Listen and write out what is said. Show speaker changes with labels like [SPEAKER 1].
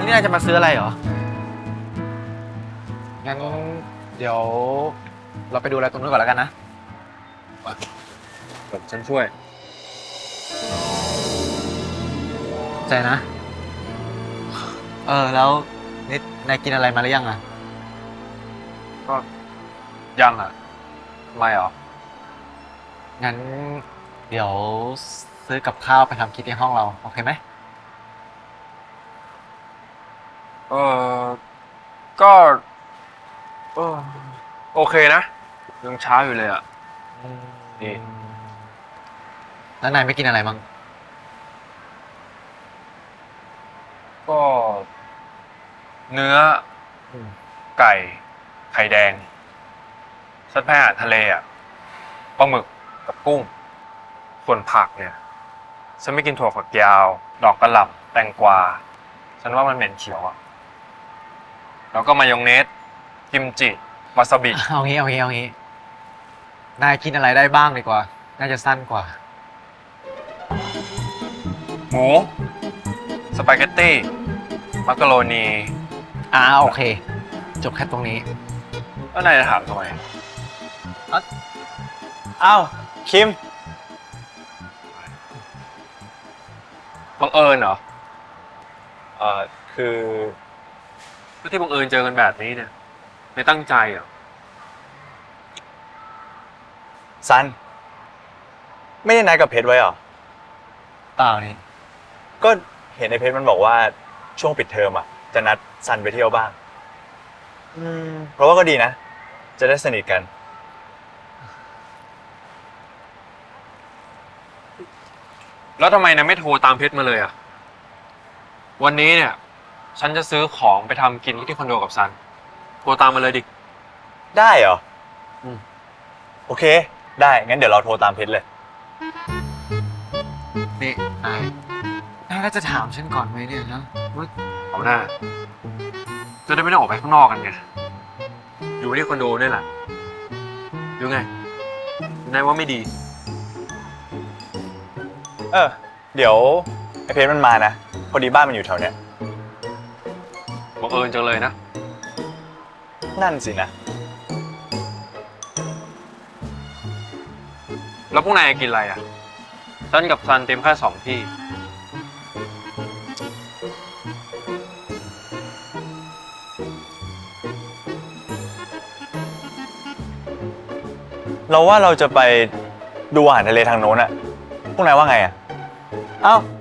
[SPEAKER 1] นี่นายจะมาซื้ออะไรเหรอ งั้นเดี๋ยวเราไปดูอะไรตรงนู้นก่อนแล้วกันนะเดี๋ยวฉันช่วยใจนะ แล้วนี่นายกินอะไรมาหรือยังอ่ะ ก็ยังอ่ะทำไมหรอ งั้นเดี๋ยวซื้อกับข้าวไปทำกินในห้องเรา โอเคไหม
[SPEAKER 2] เออก็เออโอเคนะยังเช้าอยู่เลยอ่ะนี่
[SPEAKER 1] แล้วนายไม่กินอะไรมั้ง
[SPEAKER 2] ก็เนื้อไก่ ไข่แดงสัตว์แพร่ทะเลอ่ะปลาหมึกกับกุ้ง ส่วนผักเนี่ย ฉันไม่กินถั่วฝักยาว ดอกกระหล่ำแตงกวา ฉันว่ามันเหม็นเขียวอ่ะ แล้วก็มายองเนส กิมจิ วาซาบิ
[SPEAKER 1] เอางี้ นายกินอะไรได้บ้างดีกว่า น่าจะสั้นกว่า
[SPEAKER 2] หมู สปาเกตตี้ มักกะโรนี
[SPEAKER 1] โอเค จบแค่ตรงนี้
[SPEAKER 2] แล้วนายจะถามทำไม
[SPEAKER 3] อ้าวคิม
[SPEAKER 2] บังเอิญเหรอ
[SPEAKER 3] คือ
[SPEAKER 2] ก็ที่บังเอิญเจอกันแบบนี้เนี่ย ไม่ตั้งใจเหรอ
[SPEAKER 3] ซัน ไม่ได้นัดกับเพชรไว้เหรอ
[SPEAKER 1] เปล่านี่
[SPEAKER 3] ก็เห็นในเพชรมันบอกว่าช่วงปิดเทอมอ่ะ จะนัดซันไปเที่ยวบ้าง เพราะว่าก็ดีนะ จะได้สนิทกัน
[SPEAKER 2] แล้วทำไมนายไม่โทรตามเพชรมาเลยอ่ะ วันนี้เนี่ย ฉันจะซื้อของไปทำกินที่คอนโดกับซัน โทรตามมาเลยดิ
[SPEAKER 3] ได้เหรอ
[SPEAKER 2] อืม
[SPEAKER 3] โอเค ได้ งั้นเดี๋ยวเราโทรตามเพชรเลย
[SPEAKER 1] นี่นายก็จะถามฉันก่อนไหมเนี่ยนะว่า
[SPEAKER 2] เอาหน้า จะได้ไม่ต้องออกไปข้างนอกกันไง อยู่ที่คอนโดนี่แหละอยู่ไง นายว่าไม่ดี
[SPEAKER 3] เดี๋ยวไอเพชรมันมานะ พอดีบ้านมันอยู่แถวเนี้ย
[SPEAKER 2] บังเอิญจังเลยนะ
[SPEAKER 3] นั่นสินะ
[SPEAKER 2] แล้วพวกนายกินอะไรอ่ะซันกับซันเต็มแค่2 ที่
[SPEAKER 3] เราว่าเราจะไปดูอาหารทะเลทางโน้นอะพวกนายว่าไงอะ
[SPEAKER 1] เอ้า